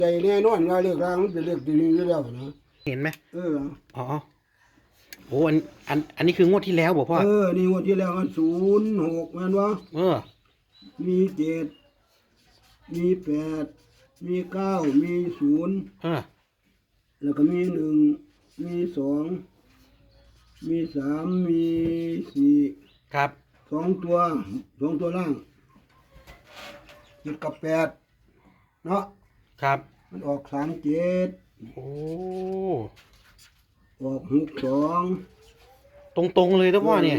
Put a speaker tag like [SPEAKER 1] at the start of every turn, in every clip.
[SPEAKER 1] ใจแน่นอนว่าเรียกรางมันเป็นเรียกดีอยู่แล้วนะ
[SPEAKER 2] เห็นไหม
[SPEAKER 1] อ๋อ
[SPEAKER 2] โอ้อันนี้คืองวดที่แล้วบอกพ่อ
[SPEAKER 1] นี่งวดที่แล้วมัน06แม่นวะมี7มี8มี9มี0แล้วก็มี1มี2มี3มี4
[SPEAKER 2] ครับ
[SPEAKER 1] 2ตัวล่าง7กับ8เนาะ
[SPEAKER 2] ครับ
[SPEAKER 1] มันออก37
[SPEAKER 2] โอ้
[SPEAKER 1] ออก62
[SPEAKER 2] ตรงเลยนะพ่อเนี่ย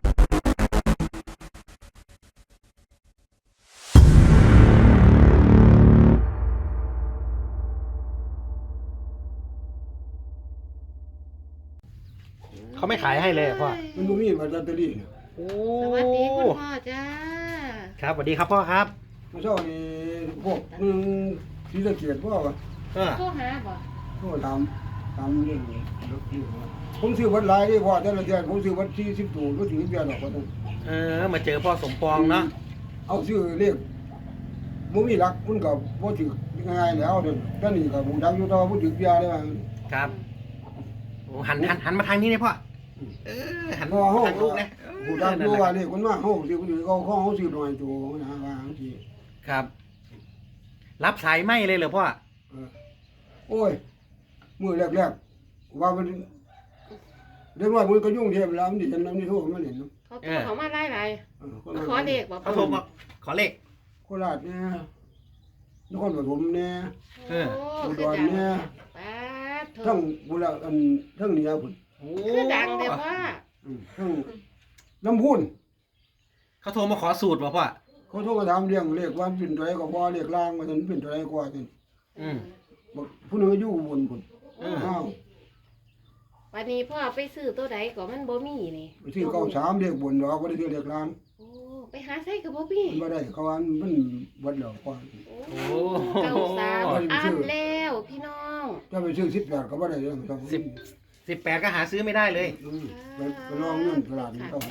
[SPEAKER 2] เขาไม่ขายให้เลยพ่อ
[SPEAKER 1] มันบ่มีบัตรลอตเตอรี่
[SPEAKER 2] โอ้
[SPEAKER 3] สวัสดีคุณพ่อจ้า
[SPEAKER 2] ครับสวัสดีครับพ่อครับ
[SPEAKER 1] เมื่อเช้านี่พวกที่ตะเกียบพ่อวะ
[SPEAKER 3] โทรหาบ่
[SPEAKER 1] พ่อทำเรื่องนี้ผมซื้อวัดหลายดีพ่อแต่ละเดือนผมซื้อวัด40ตัวรู้ถึงเดือนหรอกว่า
[SPEAKER 2] มาเจอพ่อสมปองเนาะ
[SPEAKER 1] เอาซื้อเลขบ่มีหลักมันก็บ่ถึกง่ายแล้วเด้อตอนนี้ก็บ่ดังอยู่ต่อบ่ถึกเดือนเลยว่า
[SPEAKER 2] ครับโอ้หันมาทางนี้เลยพ่อหัน
[SPEAKER 1] พ่อเฮา
[SPEAKER 2] ลูกนะ
[SPEAKER 1] บ่ดังอยู่ว่าเลขคนมาเฮาสิบ่ถึกเอาของเฮาซื้อหน่อยตัวนะว่าจังซี่
[SPEAKER 2] ครับรับสายไม่เลยเหรอพ่อ
[SPEAKER 1] โอ้ยมื้อแรกๆว่ามันเรียกว่ามันก็ยุ่งเทพแล้วมันดิฉันนำนี่โทรมาเล่นเนาะ
[SPEAKER 3] เขามาไล่ขอเด็กบอก
[SPEAKER 2] เขาโทรมาขอเลข
[SPEAKER 1] โคราชเนี่ยนครปฐมเนี่ยอุดรเนี่ยทั้งบุรีทั้งเหนือพุ่น
[SPEAKER 3] คือดังเลยว่า
[SPEAKER 1] ทั้งลำพูน
[SPEAKER 2] เขาโทรมาขอสูตรป่ะพ่อ
[SPEAKER 1] เขาโทรมาถามเรื่องเลขว่าเป็นตัวไหนก็บ่เลขล่างว่าฉันเป็นตัวไหนกว่าฉันผู้นึงอยู่บนพุ่นอ้าว
[SPEAKER 3] วันนี้พ่อไปซื้อตัวใดก็มันบ่มีนี่
[SPEAKER 1] ไปซื้อ93เลขบนดอกบ่ได้ซื้อเลขล่าง
[SPEAKER 3] โอ้ไปหาใส่ก็บ่มี
[SPEAKER 1] บ่ได้เขาว่ามันเบิดแล้วก่อน
[SPEAKER 3] โอ้93อ่านแล้วพี่น้อง
[SPEAKER 1] ถ้าไปซื้อ18ก็บ่ได้เรื่อง
[SPEAKER 2] 18ก็หาซื้อไม่ได้เลย
[SPEAKER 1] ไปลองเงินตลาดนี่ก็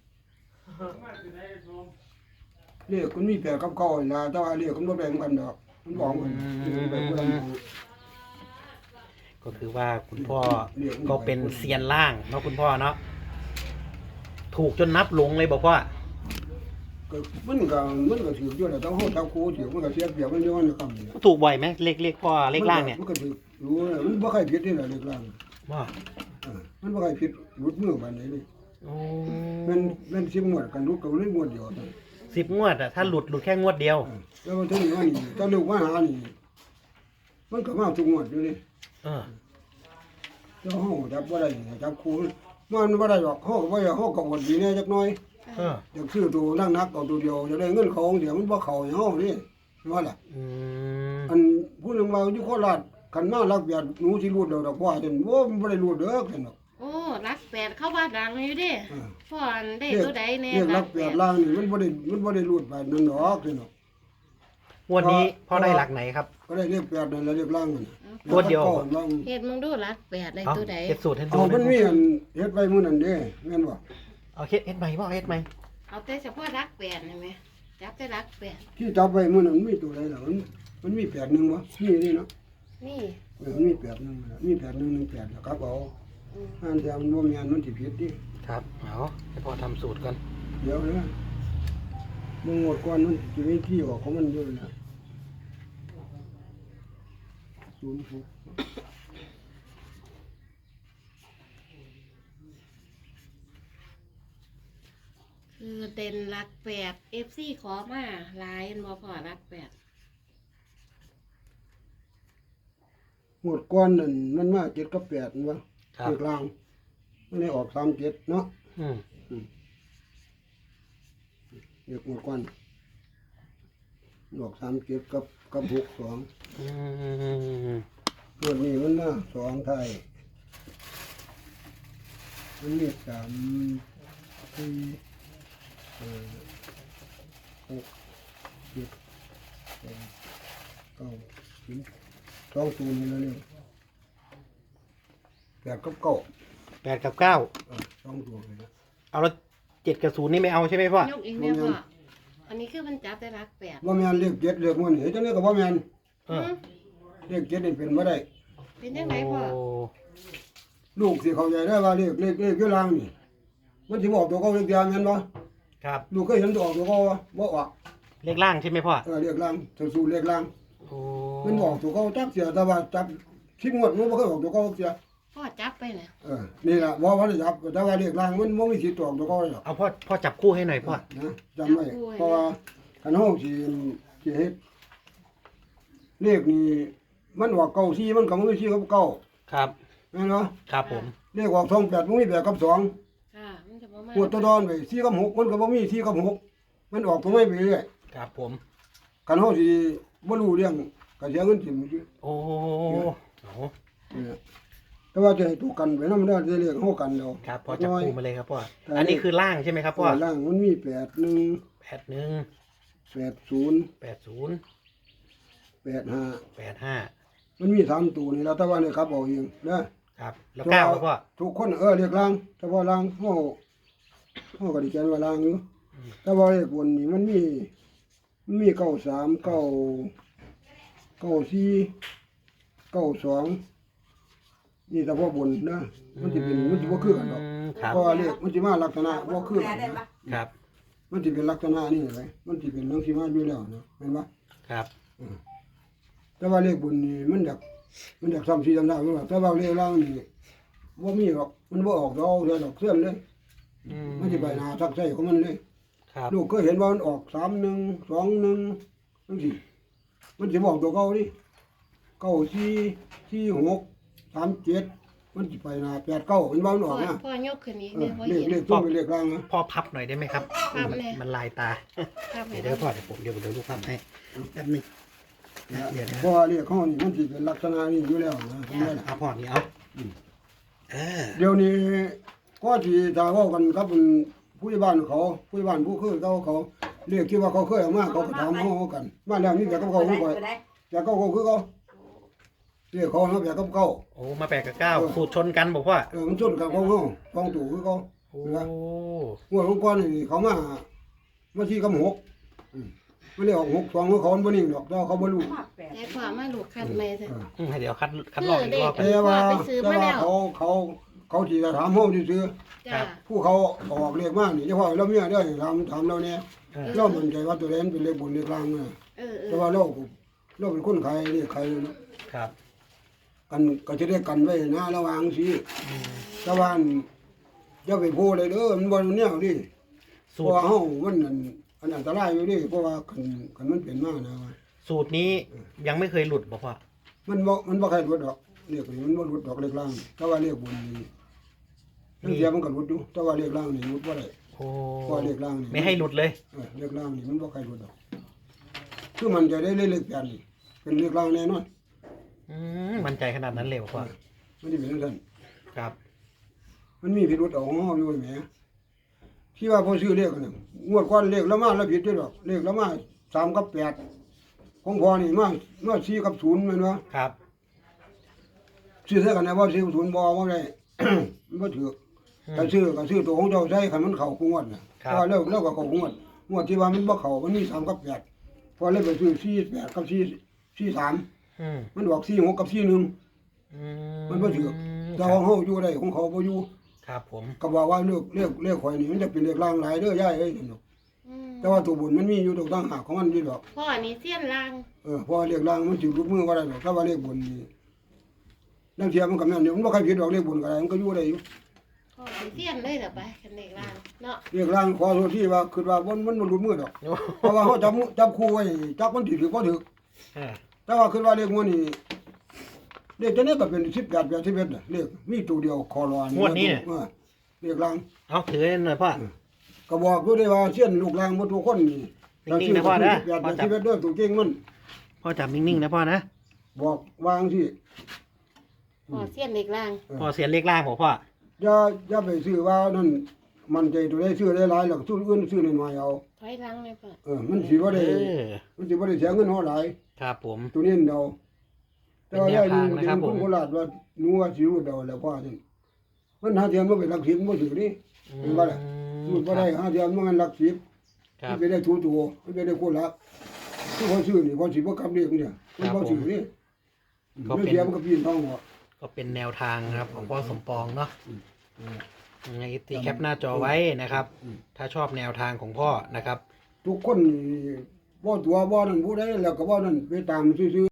[SPEAKER 1] เลขมันมี8กับ9ล่ะแต่ว่าเลขมันบ่แบ่งกันดอกมันบอกมัน
[SPEAKER 2] ก็คือว่าคุณพ่อก็เป็นเซียนล่างเนาะคุณพ่อเนาะถูกจนนับหลงเลยบอกว่า
[SPEAKER 1] มันก็ถืออยู่แล้วต้องเฮาจับคู่ถือมันก็เสียเปรียบมันอยู่นะคำนี่
[SPEAKER 2] ถูกบ่อยไหมเลขพ่อเลขล่างเนี่ย
[SPEAKER 1] มันก็ถือรู้มันบ่ค่อยผิดนี่แหละเลขล่าง
[SPEAKER 2] ว่า
[SPEAKER 1] มันบ่ค่อยผิดหลุดมือปานใดนี่มัน10งวดกันหลุดก็เลยงวดเดียว
[SPEAKER 2] 10งวดอ่ะถ้าหลุดแค่งวดเดียว
[SPEAKER 1] แล้วมันถึงว่านี่ตอนลูกมาหานี่มันก็มาทุกงวดอยู่นี่เจ้าห้องจับบ่ได้จับคู่มันบ่ได้หรอกห้องบ่ได้ห้องก็อดดีแน่จักหน่อยอยากซื้อตัวนักเอาตัวเดียวจะได้เงินของเดี๋ยวมันบ่เข้าให้ห้องนี่ว่าล่ะอันผู้นึงว่าอยู่โคราชคันมาลักเบียดหนูสิรูดดอกว่าจนบ่บ่ได้รูดเด้อคั่นดอก
[SPEAKER 3] โอ้รัก8เข้าบ้านดังอยู่เด้พ่ออันได้ตัวใดแน่
[SPEAKER 1] รัก8ล่างนี่มันบ่ได้รูดไปนั่นดอกคั่นดอก
[SPEAKER 2] งวดนี้พ่อได้หลักไหนครับ
[SPEAKER 1] ก็ได้เลข8นั่นแล้วเลขล่างนั่น
[SPEAKER 2] ตัวเดียว
[SPEAKER 3] เฮ็ดมึงดูรัก8ได้ตัวใด
[SPEAKER 2] เฮ็ดสูตรให้ดู
[SPEAKER 1] มันมีอันเฮ็ดไว้มื้อนั้นเด้แม่นบ่
[SPEAKER 2] เอาเฮ็ดใหม่บ่เฮ็ดใหม่
[SPEAKER 3] เอาแต่เฉพาะรัก8นี่แม่จับแต่รัก8
[SPEAKER 1] ที่จับไว้มื้อนั้นมีตัวใดล่ะมันมี8นึงบ่มีนี่เนาะ
[SPEAKER 3] นี่
[SPEAKER 1] มันมี8นึงมี8 1 1 8แล้วครับเอาอันเดียวมันบ่แม่นมันสิผิดดิ
[SPEAKER 2] ครับเอาให้พ่อทำสูตรก่อน
[SPEAKER 1] เดี๋ยวนะมึงหมดก่อนมันสิมีที่ออกของมันอยู่นะ
[SPEAKER 3] คือเด่นรัก8 FC ขอมาหลายบ่พอรัก8
[SPEAKER 1] หมดก้อนนั่นมันมา7กับ8นั่นวะเลขล่างมันได้ออก37เนาะเลขหมดก้อนออก37กับ62ตัวนี้มันมา2ไทยมันมี3 4 6 7 8 9 10 2ตัวนี้แล้วเนี่ย8กับ9
[SPEAKER 2] 8กับ9
[SPEAKER 1] 2ตัวเลยนะ
[SPEAKER 2] เอาแล้ว7กับ0นี่ไม่เอาใช่ไหมพ่อย
[SPEAKER 3] กเองแม่พ่ออันนี้คือมันจับได้รัก8
[SPEAKER 1] บ่แม่นเลข7เลขมันนี่จังได๋ก็บ่แม่นเลขเจ็ดนี่เป็นบ่ได้
[SPEAKER 3] เป็นจังไดพ่อ
[SPEAKER 2] โอ้
[SPEAKER 1] ลูกสิเข้าใจได้ว่าเลขอยู่ล่างนี่มันสิบอกตัวเก่าเลขเดียวแม่นบ่
[SPEAKER 2] ครับ
[SPEAKER 1] ลูกเคยเห็นตัวออกตัวเก่าบ่ออก
[SPEAKER 2] เลขล่างใช่ไหมพ่อ
[SPEAKER 1] เลขล่างสู้เลขล่าง
[SPEAKER 2] โอ้
[SPEAKER 1] มันบอกตัวเก่าจักเสียแต่ว่าจับ10งวดมันบ่เคยออกตัวเก่าเสีย
[SPEAKER 3] พ่อจับไปน่ะ
[SPEAKER 1] นี่ล่ะบ่ว่าได้จับแต่ว่าเลขล่างมันบ่มีสิทธิ์ออกตัวเก่าหรอก
[SPEAKER 2] เอาพ่อจับคู่ให้หน่อยพ่อ
[SPEAKER 1] นะจำไว้เพราะว่าคันเฮาสิเฮ็ดเลขนี่มันออกเก่า4มันก็บ่มี4กับเก่า
[SPEAKER 2] ครับ
[SPEAKER 1] แม่นบ่
[SPEAKER 2] ครับผม
[SPEAKER 1] เลขออก28มันมี8กับ2
[SPEAKER 3] ค่ะมันจะบ่มา
[SPEAKER 1] ปวดตัวดอนไป4กับ6มันก็บ่มี4กับ6มันออกตัวไม่ไปเรื่อย
[SPEAKER 2] ครับผม
[SPEAKER 1] คันเฮาสิบ่รู้เรื่องก็เสียเงินทิ่มซื่อ
[SPEAKER 2] โอ้โห
[SPEAKER 1] นี่แหละแต่ว่าจะให้ตัวกันไปนำได้จะเรียกเฮากันแล้ว
[SPEAKER 2] ครับพ่อจับคู่มาเลยครับพ่ออันนี้คือล่างใช่ไหมครับพ่อ
[SPEAKER 1] ล่างมันมี81
[SPEAKER 2] 81
[SPEAKER 1] 80
[SPEAKER 2] 80
[SPEAKER 1] 85
[SPEAKER 2] 85
[SPEAKER 1] มันมี3ตัวนี่แล้วแต่ว่าเนี่ยครับเอาเองนะครับ
[SPEAKER 2] แล้ว9ครับพ่อ
[SPEAKER 1] ทุกคนเรียกล่างแต่ว่าล่างเฮาก็ได้แจ้งว่าล่างอยู่แต่ว่าเลขบนนี่มันมี93 94 92นี่แต่ว่าบนนะมันสิบ่คือกันดอก
[SPEAKER 2] ครับ
[SPEAKER 1] เพราะว่าเลขมันสิมาลักษณะบ่คือกันนะ
[SPEAKER 2] ครับ
[SPEAKER 1] มันสิเป็นลักษณะนี่ไว้มันสิเป็นจังซี่มาอยู่แล้วนะเห็นบ่
[SPEAKER 2] ครับ
[SPEAKER 1] แต่ว่าเลขบนนี่มันอยากซ้ำ4ซ้ำ3อยู่แต่ว่าเลขล่างนี่บ่มีหรอกมันบ่ออกดอกเดอกเสื่อมเลย มันสิไปหน้าทักใส่ของมันเลย
[SPEAKER 2] ครับ
[SPEAKER 1] ลูกก็เห็นว่ามันออก31 21จังซี่มันสิบอกตัวเก่าดิ94 46 37มันสิไปหน้า89มันว่ามันอ
[SPEAKER 3] พ่อ
[SPEAKER 1] อกนะ
[SPEAKER 3] พ่อยกขึ้นอีกเนี่ยพ่อ
[SPEAKER 1] เลข
[SPEAKER 3] เห็น
[SPEAKER 1] เลขตัวเป็นเลขล่างนะ
[SPEAKER 2] พ่อพับหน่อยได้ไหมครับ
[SPEAKER 3] พับเลย
[SPEAKER 2] มันลายตา
[SPEAKER 3] ครับให้
[SPEAKER 2] เดี๋ยวพ่อเดี๋ยวผมเดี๋ยวลูกพับให้แป๊บนึงเดี๋ยวนะ
[SPEAKER 1] เพราะว่าเลขเขานี่มันสิเป็นลักษณะนี้อยู่แล้วนะเห็นไหมล่ะ
[SPEAKER 2] เอาพ่อนี่เอา
[SPEAKER 1] เดี๋ยวนี้ก็ที่ถ้าเว้ากันกับผู้ใหญ่บ้านเขาผู้ใหญ่บ้านผู้เคยเขาเรียกที่ว่าเขาเคยเอามาเขาก็ถามเฮากันบ้านแล้วมีแบบกับเขาผู้ก่อยแบบกับเขาคือเขาเรียกเขาเนาะแบบกับเขา
[SPEAKER 2] โอ้มา8กับ9สูตรชนกันบอกว่า
[SPEAKER 1] มันชนกับของเฮาของตู่คือเขา
[SPEAKER 2] โอ้
[SPEAKER 1] งวดของก่อนนี่เขามาที่กับ6มันเรียกออก6 2ของเขาบ่นิ่งดอกแต่เขาบ่รู้
[SPEAKER 3] ให้พ่อมาลูกคัดใหม่เถอะ
[SPEAKER 2] เดี๋ยวคัดลอกอีกรอบ
[SPEAKER 1] แต่ว่า
[SPEAKER 3] ไปซื้อมาแล้ว
[SPEAKER 1] เขาสิจะถามเฮาซื่อ
[SPEAKER 3] จ้า
[SPEAKER 1] ผู้เขาออกเลขมานี่เฉพาะเราเมียได้ถามเราเนี่ยเรามั่นใจว่าตัวเล่นเป็นเลขบนเลขล่างนะ แต่ว่าเราเป็นคนขายเลขขาย
[SPEAKER 2] ครับ
[SPEAKER 1] กันก็จะได้กันไว้นะระวังสิแต่ว่าอย่าไปโพเลยเด้อมันบ่แนวดิเพ
[SPEAKER 2] สู
[SPEAKER 1] ราะ
[SPEAKER 2] ตร
[SPEAKER 1] ว่าเฮามันอันตรายอยู่ดิเพราะว่าคันมันเป็นมานะ
[SPEAKER 2] สูตรนี้ยังไม่เคยหลุดบอกว่า
[SPEAKER 1] มันบ่ใครหลุดดอกเลขนี่มันบ่หลุดดอกเลขล่างแต่ว่าเลขบนนี่ทั้งเสียมันก็หลุดอยู่แต่ว่าเลขล่างนี่หลุดบ่ได้
[SPEAKER 2] โอ้
[SPEAKER 1] เพราะเลขล่างนี่
[SPEAKER 2] ไม่ให้หลุดเลย
[SPEAKER 1] เลขล่างนี่มันบ่ใครหลุดดอกคือมันจะได้เลขแปดนี่เป็นเลขล่างแน่นอน
[SPEAKER 2] มั่นใจขนาดนั้นเลยบอกว่า
[SPEAKER 1] มันสิเป็นจังซั่น
[SPEAKER 2] ครับ
[SPEAKER 1] มันมีพิรุธเอาของเฮาอยู่แหมที่ว่าพอซื้อเลขกันน่ะงวดก่อนเลขละมาแล้วผิดด้วยดอกเลขละมา3กับ8ของพ่อนี่มา4กับ0แม่นบ่
[SPEAKER 2] ครับ
[SPEAKER 1] ซื้อเท่ากันนะบ่4กับ0บ่ได้ มันบ่ถูกถ้าซื้อก็ซื้อตัวของเจ้าใช้คันมันเข้ากูงวดน่ะเพราะว่าแล้วก็เข้ากูงวดงวดที่ว่ามันบ่เข้ามันมี3กับ8พอเลยไปซื้อ4 8กับ4 3มันออก4 6กับ4 1มันบ่ถูกแต่ของเฮาอยู่ได้ของเขาบ่อยู่
[SPEAKER 2] ครับผม
[SPEAKER 1] ก็บอกว่าเลขข่อยนี่มันจะเป็นเลขล่างหลายเด้อยายเอ้ยนั่นดอกแต่ว่าตัวบนมันมีอยู่ตรงต่างหากของมันอยู่ดอก
[SPEAKER 3] พ่อนี่เสี้ยนลาง
[SPEAKER 1] เพราะว่าเลขล่างมันสิรูปมือบ่ได้ดอกถ้าว่าเลขบนนี่นั่นเทียมันก็แม่นอยู่มันบ่ใครผิดดอกเลขบนก็ได้มันก็อยู่ได้อยู่
[SPEAKER 3] พ่อเป็นเสี้ยนเลยเหรอไปคันเด็กลางเนาะ
[SPEAKER 1] เลขล่างขอโทษที่ว่าคิดว่ามันบ่รูปมือดอกเพราะว่าเฮาจับคู่ไว้จับมันถือบ่ถือแต่ว่าคิดว่าเลขงวดนี้เลขตัวนี้ก็เป็น18 81น่ะเลขมีตัวเดียวคอรอนเลขล่าง
[SPEAKER 2] เอาถือให้หน่อยพ่อ
[SPEAKER 1] ก็บอกอยู่ได้ว่าเส้นลูกล่างบ่ทุกคนนี่
[SPEAKER 2] นิ่งๆนะพ่อนะ
[SPEAKER 1] อย่าชีวิตเด้อตัวเก่งมัน
[SPEAKER 2] พ่อจับนิ่งๆนะพ่อนะ
[SPEAKER 1] บอกวางสิ
[SPEAKER 3] พ่อเสี้ยนเด็กลาง
[SPEAKER 2] พ่อเสียนเลขล่างบอกพ่อ
[SPEAKER 1] อย่าไปซื้อว่านั่นมันใจตัวได้ซื้อได้หลายแล้วซื้ออื่นซื้อน้อยๆเอา
[SPEAKER 3] ถอยหลังเลยพ่อ
[SPEAKER 1] มันสิบ่ได้มันสิบ่ได้เสียเงินเฮาหลาย
[SPEAKER 2] ครับผม
[SPEAKER 1] ตัวนี้เดาแต่ว่า
[SPEAKER 2] เป็นแน
[SPEAKER 1] ย่าว นี่
[SPEAKER 2] ทางนะครับ
[SPEAKER 1] เป็นคนโคราชว่าหนูว่าสิรู้เดาแล้วพ่อนี่มันหาเทียมบ่เป็นหลัก10บ่ถือนี่เห็นบ่ล่ะพูดบ่ได้หาเทียมมันหลัก10
[SPEAKER 2] ครับ
[SPEAKER 1] มันไปได้ถูตัวมันไปได้คนละที่เขาซื้อนี่เขาสิบ่กลับเรียกเนี่ยมันบ่ซื้อนี่
[SPEAKER 2] ก็
[SPEAKER 1] ไม่
[SPEAKER 2] เป็น
[SPEAKER 1] เสียมันก็ปีนท้องหัว
[SPEAKER 2] ก็เป็นแนวทางนะครับของพ่อสมปองเนาะ
[SPEAKER 1] อืม
[SPEAKER 2] ยังไงตีแคปหน้าจอไว้นะครับ
[SPEAKER 1] อืม
[SPEAKER 2] ถ้าชอบแนวทางของพ่อนะครับ
[SPEAKER 1] ทุกคนนี่บ่ตัวบ่นั่นผู้ใดแล้วก็บ่นั่นไปตามซื่อๆ